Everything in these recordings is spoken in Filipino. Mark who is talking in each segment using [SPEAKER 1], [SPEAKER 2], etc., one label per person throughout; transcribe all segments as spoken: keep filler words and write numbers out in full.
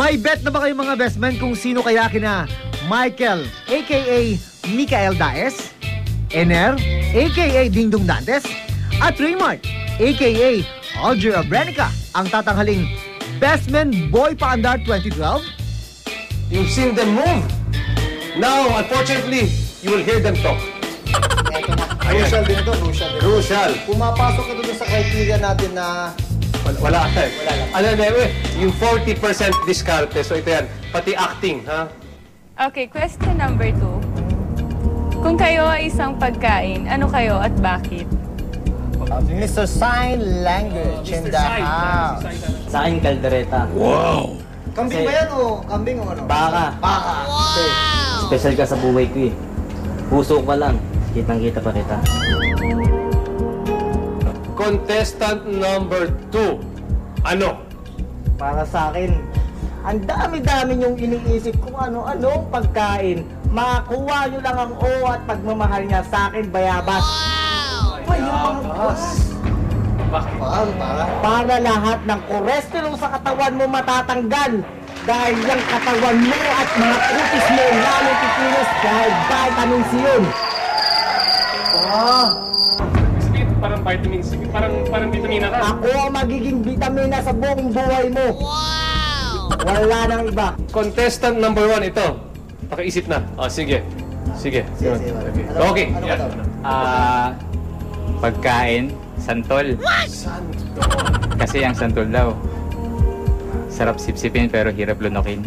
[SPEAKER 1] May bet na ba kayo mga best men kung sino kaya kina Michael, aka Michael Daes, Ener, aka Dingdong Dantes, at Raymart, aka Alger Abrenica, ang tatanghaling Best Men Boy Paandar twenty twelve?
[SPEAKER 2] You've seen them move. Now, unfortunately, you will hear them talk.
[SPEAKER 3] Crucial din ito, crucial din.
[SPEAKER 2] Crucial.
[SPEAKER 3] Pumapasok ito dun sa criteria natin na
[SPEAKER 2] Wala, wala ka eh.
[SPEAKER 3] Wala lang.
[SPEAKER 2] Ano na eh, yung forty percent diskarte. So ito yan, pati acting, ha?
[SPEAKER 4] Okay, question number two. Kung kayo ay isang pagkain, ano kayo at bakit?
[SPEAKER 3] uh, Mister Sign Language in the house.
[SPEAKER 5] Sa akin, kaldereta.
[SPEAKER 3] Kambing ba yan o kambing o ano?
[SPEAKER 5] Baka.
[SPEAKER 3] Baka.
[SPEAKER 5] Wow! Special ka sa buhay ko eh. Puso ko lang. Kitang-kita pa kita.
[SPEAKER 2] Contestant number two. Ano?
[SPEAKER 5] Para sa akin, ang dami-dami yung iniisip kung ano-ano pagkain. Makakuha nyo lang ang O at pagmamahal niya sa akin, bayabas. Wow! Bayabas!
[SPEAKER 2] Bakit?
[SPEAKER 3] Paano para?
[SPEAKER 5] Para lahat ng cholesterol sa katawan mo matatanggal. Dahil yung katawan mo at mga kutis mo lalo kikilos dahil vitamins yun.
[SPEAKER 3] Ah,
[SPEAKER 2] Sige, parang vitamin C. Parang, parang vitamina ka.
[SPEAKER 5] Ako ang magiging vitamina sa buong buhay mo. Wow! Wala nang iba.
[SPEAKER 2] Contestant number one, ito. Pakiisip na. Oh, sige. Sige.
[SPEAKER 3] sige, sige. Ano,
[SPEAKER 2] Okay.
[SPEAKER 3] Ano ba
[SPEAKER 2] Yan.
[SPEAKER 3] daw?
[SPEAKER 6] Ah, pagkain, santol. Kasi ang santol daw, sarap sipsipin pero hirap lunokin.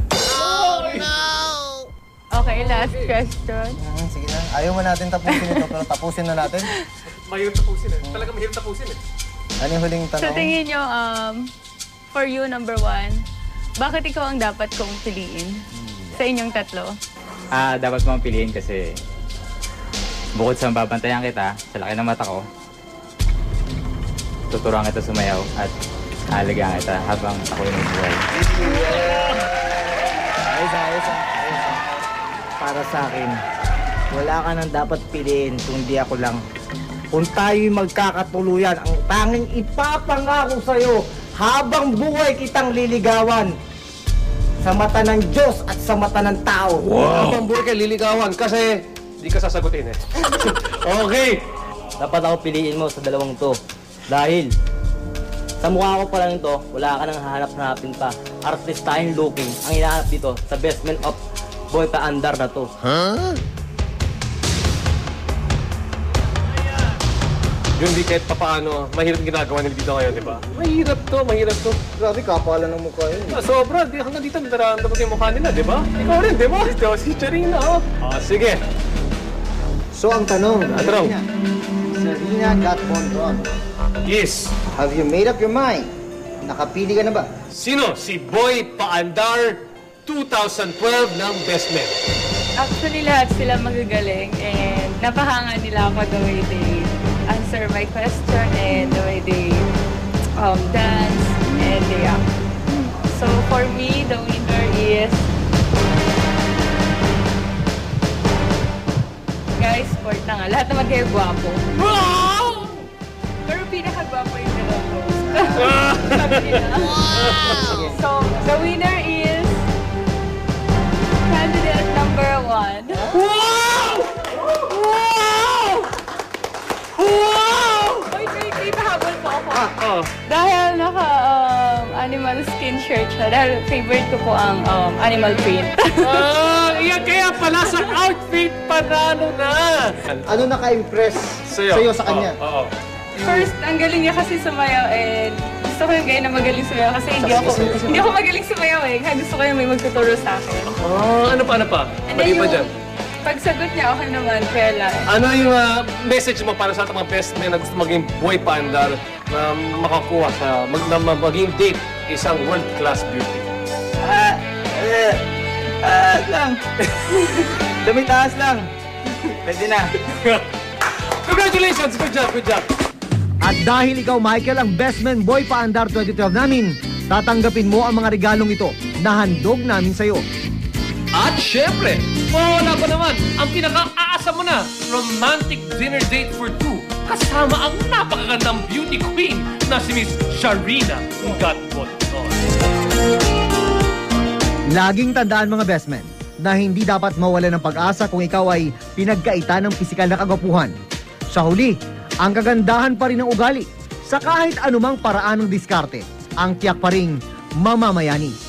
[SPEAKER 4] Okay, last question.
[SPEAKER 3] Hmm, sige na. Ayaw mo natin tapusin ito, pero tapusin na natin.
[SPEAKER 2] Mahirap tapusin eh. Talaga mahirap tapusin eh.
[SPEAKER 3] Ano yung huling tanong?
[SPEAKER 4] Sa tingin nyo, um, for you, number one, bakit ikaw ang dapat kong piliin sa inyong tatlo?
[SPEAKER 6] Ah, dapat mong piliin kasi bukod sa mababantayan kita, sa laki ng mata ko, tuturuan kita sumayaw at aalagaan kita habang ako'y nabuhay.
[SPEAKER 5] Ayos, ayos, ayos. Para sa akin, wala ka nang dapat piliin kung di ako lang. Kung tayo'y magkakatuluyan, ang tanging ipapangako sa'yo habang buhay kitang liligawan sa mata ng Diyos at sa mata ng tao.
[SPEAKER 2] Wow! Habang buhay kayo liligawan kasi di ka sasagutin eh. Okay!
[SPEAKER 5] Dapat ako piliin mo sa dalawang to. Dahil sa mukha ko pa lang ito, wala ka nang hahanap-hanapin pa. Artistahin looking ang hinahanap dito sa Best Men of Boy Paandar na to.
[SPEAKER 2] Huh? Yung di kahit papaano, mahirap ginagawa nila dito ngayon, di ba? Mahirap to, mahirap to.
[SPEAKER 3] Grabe, kapalan ng mukha yun.
[SPEAKER 2] Ah, sobra, di hanggang dito nararamdaman ko yung mukha nila, di ba? Ikaw rin, di ba? Ito, si Charina, oh. Ah, sige.
[SPEAKER 3] So, ang tanong,
[SPEAKER 2] Ang tanong.
[SPEAKER 3] Sarina Gatmonron,
[SPEAKER 2] Yes.
[SPEAKER 3] have you made up your mind? Nakapili ka na ba?
[SPEAKER 2] Sino? Si Boy Paandar two thousand twelve ng Best Men.
[SPEAKER 4] Actually, lahat sila magagaling and napahanga nila ako the way they answer my question and the way they um, dance and they act. So for me, the winner is... Guys, sport na nga. Lahat naman kayo gwapo. Wow! Pero pinaka-gwapo yung dalawa. Sabi nila. So, the winner is... Candidate number one.
[SPEAKER 2] Wow! Wow! Wow!
[SPEAKER 4] Wait, wait, wait. Pahabol po ako.
[SPEAKER 2] Oh.
[SPEAKER 4] Dahil naka um, animal skin shirt siya. Dahil favorite ko po ang um, animal print.
[SPEAKER 2] Ah, iya kaya pala sa outfit panalo na.
[SPEAKER 3] Ano naka-impress sa'yo, sa kanya?
[SPEAKER 2] Oo.
[SPEAKER 4] First, ang galing niya kasi sumayaw and gusto ko yung gaya na magaling sumayaw kasi hindi ako hindi ako magaling sumayaw eh. Kaya gusto ko yung may magtuturo sa akin.
[SPEAKER 2] Oh, ano pa, ano pa?
[SPEAKER 4] And
[SPEAKER 2] Pwede
[SPEAKER 4] then
[SPEAKER 2] pa
[SPEAKER 4] yung
[SPEAKER 2] dyan.
[SPEAKER 4] pagsagot niya okay naman, kaya lang.
[SPEAKER 2] Ano yung ah, message mo para sa ating mga best men na gusto maging boy paandar na makakuha sa mag, na ma- maging date isang world-class beauty?
[SPEAKER 5] Ah, eh, ah, lang. Dumitaas lang. Pwede na.
[SPEAKER 2] Congratulations! Good job, good job!
[SPEAKER 1] At dahil ikaw, Michael, ang Best Men Boy Paandar twenty twelve namin, tatanggapin mo ang mga regalong ito na handog namin sa'yo.
[SPEAKER 2] At syempre, mawala pa naman ang pinaka-aasa mo na romantic dinner date for two kasama ang napakagandang beauty queen na si Miss Sharina Gatmonron.
[SPEAKER 1] Laging tandaan mga best men na hindi dapat mawala ng pag-asa kung ikaw ay pinagkaita ng pisikal na kagwapuhan. Sa huli, ang kagandahan pa rin ng ugali sa kahit anumang paraan ng diskarte, ang tiyak pa ring mamamayani.